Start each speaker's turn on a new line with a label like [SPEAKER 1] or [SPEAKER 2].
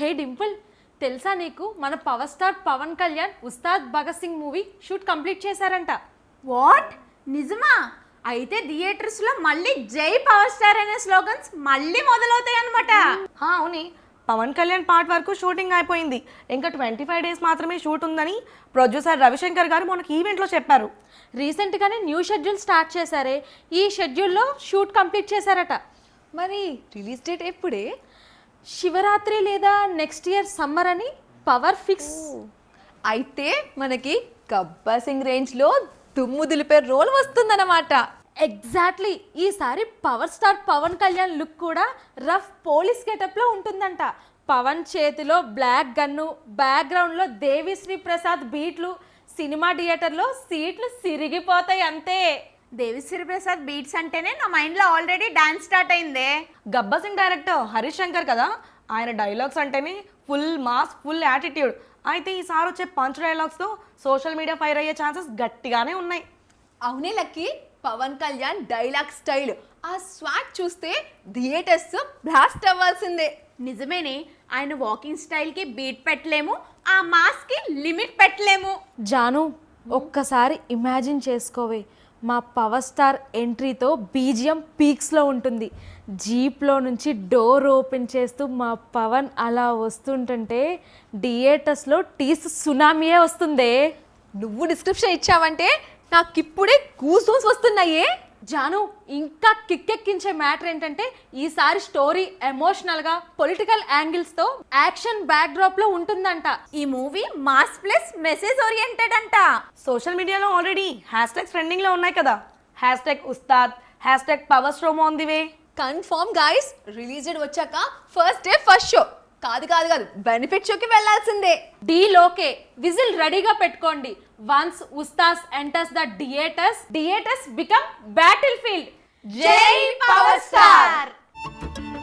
[SPEAKER 1] హే డింపుల్, తెలుసా నీకు మన power star Pawan Kalyan Ustaad Bhagat Singh movie shoot complete చేశారంట.
[SPEAKER 2] వాట్, నిజమా? అయితే థియేటర్స్ లో మళ్ళీ జై పవర్ స్టార్ అనే స్లోగన్స్ మళ్ళీ మొదలవుతాయి అనమాట.
[SPEAKER 3] అవుని, పవన్ కళ్యాణ్ పార్ట్ వరకు షూటింగ్ అయిపోయింది. ఇంకా 25 days మాత్రమే షూట్ ఉందని ప్రొడ్యూసర్ రవిశంకర్ గారు మనకి ఈవెంట్లో చెప్పారు.
[SPEAKER 1] రీసెంట్గానే న్యూ షెడ్యూల్ స్టార్ట్ చేశారే, ఈ షెడ్యూల్లో షూట్ కంప్లీట్ చేశారట.
[SPEAKER 4] మరి రిలీజ్ డేట్ ఎప్పుడే?
[SPEAKER 1] శివరాత్రి లేదా నెక్స్ట్ ఇయర్ సమ్మర్ అని పవర్ ఫిక్స్.
[SPEAKER 4] అయితే మనకి గబ్బర్ సింగ్ రేంజ్లో దుమ్ము దులిపే రోల్ వస్తుందన్నమాట.
[SPEAKER 1] ఎగ్జాక్ట్లీ, ఈసారి power star Pawan Kalyan look కూడా రఫ్ పోలీస్ గెటప్లో ఉంటుందంట. పవన్ చేతిలో బ్లాక్ గన్ను, బ్యాక్గ్రౌండ్లో దేవిశ్రీ ప్రసాద్ బీట్లు, సినిమా థియేటర్లో సీట్లు సిరిగిపోతాయి అంతే.
[SPEAKER 2] దేవిశ్రీ ప్రసాద్ బీట్స్ అంటేనే నా మైండ్ లో ఆల్రెడీ డాన్స్ స్టార్ట్ అయిందే.
[SPEAKER 3] గబ్బర్ సింగ్ డైరెక్టర్ హరీష్ శంకర్ కదా, ఆయన డైలాగ్స్ అంటేనే ఫుల్ మాస్, ఫుల్ యాటిట్యూడ్. అయితే ఈసారి వచ్చే పంచ్ డైలాగ్స్తో సోషల్ మీడియా ఫైర్ అయ్యే ఛాన్సెస్ గట్టిగానే ఉన్నాయి.
[SPEAKER 4] అవునే lucky, Pawan Kalyan dialogue style, ఆ స్వాగ్ చూస్తే థియేటర్స్ బ్లాస్ట్ అవ్వాల్సిందే.
[SPEAKER 2] నిజమేనే, ఆయన వాకింగ్ స్టైల్ కి బీట్ పెట్టలేము, ఆ మాస్ కి లిమిట్ పెట్టలేము.
[SPEAKER 1] జాను, ఒక్కసారి ఇమాజిన్ చేసుకోవే, మా పవర్ స్టార్ ఎంట్రీతో బీజిఎం పీక్స్లో ఉంటుంది. జీప్లో నుంచి డోర్ ఓపెన్ చేస్తూ మా పవన్ అలా వస్తుంటుంటే థియేటర్స్లో టీస్ సునామీయే వస్తుందే.
[SPEAKER 4] నువ్వు డిస్క్రిప్షన్ ఇచ్చావంటే నాకు ఇప్పుడే గూస్ బంప్స్ వస్తున్నాయే.
[SPEAKER 1] జాను, ఇంకా కిక్కెక్కించే మ్యాటర్ ఏంటంటే ఈసారి స్టోరీ ఎమోషనల్గా పొలిటికల్ యాంగిల్స్తో యాక్షన్ బ్యాక్డ్రాప్లో ఉంటుందంట.
[SPEAKER 2] ఈ movie mass plus message oriented అంట.
[SPEAKER 3] సోషల్ మీడియాలో ఆల్రెడీ హ్యాష్ ట్రెండింగ్లో ఉన్నాయి కదా. #Ustaad, #power on the way.
[SPEAKER 4] Confirm guys, release date వచ్చాక ఫస్ట్ డే ఫస్ట్ షో కాదు బెనిఫిట్ షోకి వెళ్ళాల్సిందే.
[SPEAKER 1] డీలోకే విజిల్ రెడీగా పెట్టుకోండి. Once Ustaad enters the theatres become battle field.
[SPEAKER 2] జై పవర్ స్టార్.